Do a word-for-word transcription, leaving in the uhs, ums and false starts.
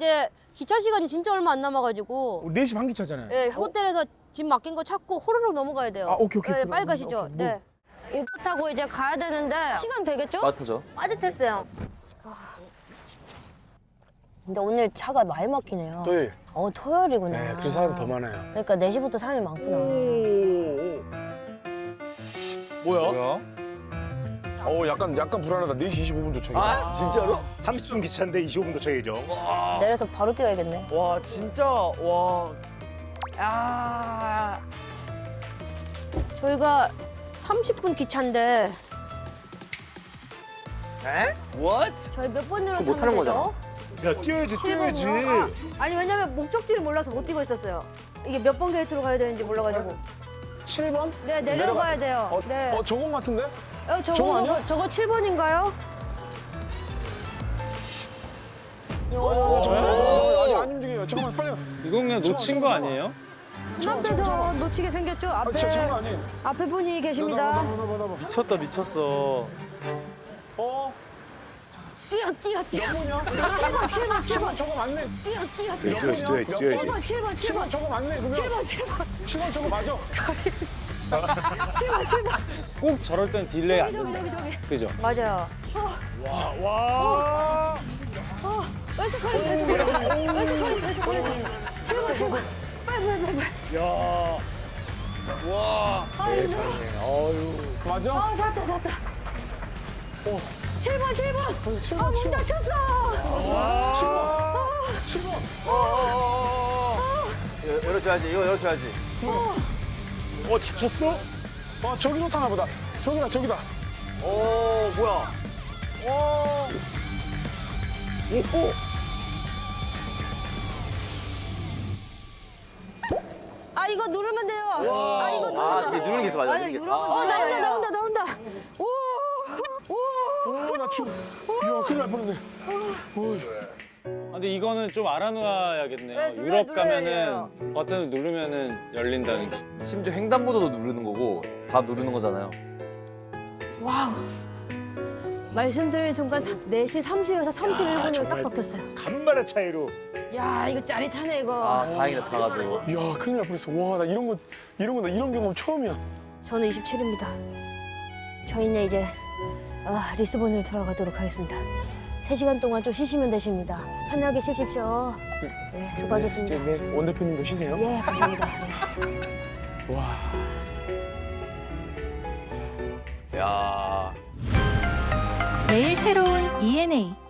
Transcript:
이제 기차 시간이 진짜 얼마 안 남아가지고 네 시 반 기차잖아요. 예, 호텔에서 짐 맡긴 거 찾고 호로록 넘어가야 돼요. 아, 오케이, 오케이. 예, 그럼, 빨리 가시죠. 오케이, 뭐. 네. 이거 타고 이제 가야 되는데 시간 되겠죠? 맞죠? 빠듯했어요. 아. 근데 오늘 차가 많이 막히네요. 토요일. 어, 토요일이구나. 네, 그래서 사람 더 많아요. 그러니까 네 시부터 사람이 많구나. 뭐야? 뭐야? 어, 약간 약간 불안하다. 네 시 이십오 분 도착이다. 아, 진짜로? 삼십 분 기차인데 이십오 분 도착이죠. 내려서 바로 뛰어야겠네. 와, 진짜, 와. 아. 저희가 삼십 분 기차인데 에? What? 저희 몇 번으로 그거 못 하는 거잖아. 야 뛰어야지 뛰어야지. 아, 아니 왜냐면 목적지를 몰라서 못 뛰고 있었어요. 이게 몇 번 게이트로 가야 되는지 몰라가지고. 칠 번? 네, 내려가야 돼요. 어, 네. 어, 저건 같은데? 어, 저거, 저거 아니야? 저거 칠 번인가요? 어, 저건 아직 안 움직여요. 잠깐만, 빨리. 이건 그냥 놓친 거 아니에요? 눈앞에서 놓치게 생겼죠? 아, 앞에 저, 저건 아니에요. 앞에 분이 계십니다. 나봐, 나봐, 나봐. 미쳤다, 미쳤어. 어? 뛰어, 뛰어, 뛰어. 몇 번이야? 칠 번, 칠 번, 칠 번. 저거 맞네. 뛰어, 뛰어, 뛰어 뛰어. 뛰어 뛰어 칠 뛰어야지. 번, 칠 번, 칠 칠 번 번. 저거 맞네, 그러면. 칠 번, 칠 번. 칠 번 저거 맞아. 칠 번, 칠 번. 꼭 저럴 땐 딜레이 안 저기, 된다. 저기, 저기. 그죠? 맞아요. 와. 어, 왼쪽 걸리, 왼쪽 걸리. 왼쪽 걸리, 왼쪽 걸리. 칠 번, 칠 번. 빨리, 빨리, 빨리. 빨리. 야. 와. 아유, 맞아? 아, 잡았다, 잡았다. 칠 번, 칠 번. 칠 아, 번, 문 칠 번. 닫혔어. 칠 번. 칠 번. 열- 열어줘야지, 이거 열어줘야지. 어 다쳤어? 아, 저기로 타나 보다. 저기다, 저기다. 오, 뭐야? 오. 오. 아, 이거 누르면 돼요. 아, 이거 누르면 아, 돼요. 진짜 누르는 게 있어, 맞아, 아니, 누르는 게 있어. 누르면 어, 나온다, 나온다, 나온다. 오, 오. 오, 나 죽. 이야, 큰일 날 뻔했네. 아, 근데 이거는 좀 알아놓아야겠네요. 네, 눌러- 유럽 눌러야 가면은 돼요. 버튼을 누르면은 열린다는 게. 심지어 횡단보도도 누르는 거고, 다 누르는 거잖아요. 와우. 말씀드린 순간 네 시 삼십에서 삼십일 분으로 딱 정말. 바뀌었어요. 간만의 차이로. 야, 이거 짜릿하네, 이거. 아, 다행이다, 타가지고. 이야, 큰일 날 뻔했어. 와, 나 이런 거, 이런 거, 나 이런 경험 처음이야. 저는 이십칠입니다. 저희는 이제 어, 리스본으로 들어가도록 하겠습니다. 세 시간 동안 좀 쉬시면 되십니다. 편하게 쉬십시오. 네, 수고하셨습니다. 네, 네, 원 대표님도 쉬세요. 예, 감사합니다. 네. 와. 야. 매일 새로운 이엔에이